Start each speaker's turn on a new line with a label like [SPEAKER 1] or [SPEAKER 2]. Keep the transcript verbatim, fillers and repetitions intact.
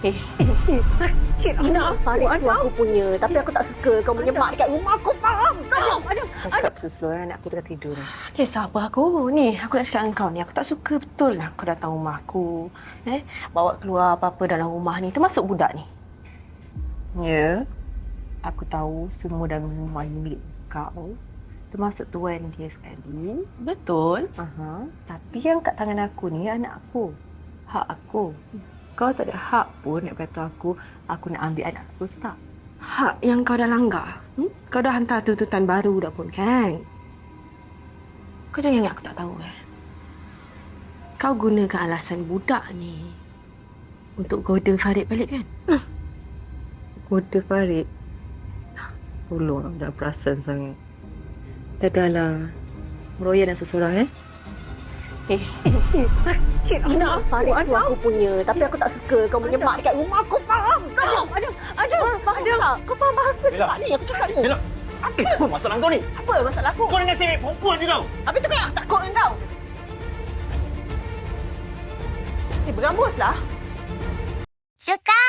[SPEAKER 1] Eh, eh, eh sakit anak aku.
[SPEAKER 2] Farid tu
[SPEAKER 1] Anak
[SPEAKER 2] aku punya. Tapi aku tak suka kau menyemak dekat rumah aku. Faham tak?
[SPEAKER 1] Aduh,
[SPEAKER 3] Cakap slow-slow, anak aku tengah tidur ni.
[SPEAKER 1] okay, sabar aku. Ni, aku nak cakap dengan kau ni. Aku tak suka betul lah kau datang rumah aku. Eh, bawa keluar apa-apa dalam rumah ni. Termasuk budak ni.
[SPEAKER 3] Ya, aku tahu semua dalam rumah ni milik kau. Termasuk tuan dia sekali.
[SPEAKER 1] Betul.
[SPEAKER 3] Aha. Tapi yang kat tangan aku ni anak aku. Hak aku. Kau tak ada hak pun nak kata aku, aku nak ambil anak aku, tak?
[SPEAKER 1] Hak yang kau dah langgar. Hmm? Kau dah hantar tuntutan baru dah pun kan? Kau jangan ingat aku tak tahu eh. Kau gunakan alasan budak ni untuk goda Farid balik kan?
[SPEAKER 3] Koda Farid. Tolong, dah perasan sangat. Dahlah. Meroyan dan seseorang, eh?
[SPEAKER 1] Eh, eh, eh sakit anak aku.
[SPEAKER 2] Farid tu
[SPEAKER 1] Anak
[SPEAKER 2] aku punya. Tapi aku tak suka kau menyemak dekat rumah aku. Faham tak?
[SPEAKER 1] Aduh, aduh, aduh, aduh. Kau faham bahasa
[SPEAKER 4] Bella.
[SPEAKER 1] tak ni aku cakap ni?
[SPEAKER 4] Bella, apa masalah kau ni?
[SPEAKER 1] Apa masalah aku?
[SPEAKER 4] Kau dengan si perempuan je kau.
[SPEAKER 1] Habis tu kan aku takut dengan kau. Eh, berambuslah.
[SPEAKER 5] Suka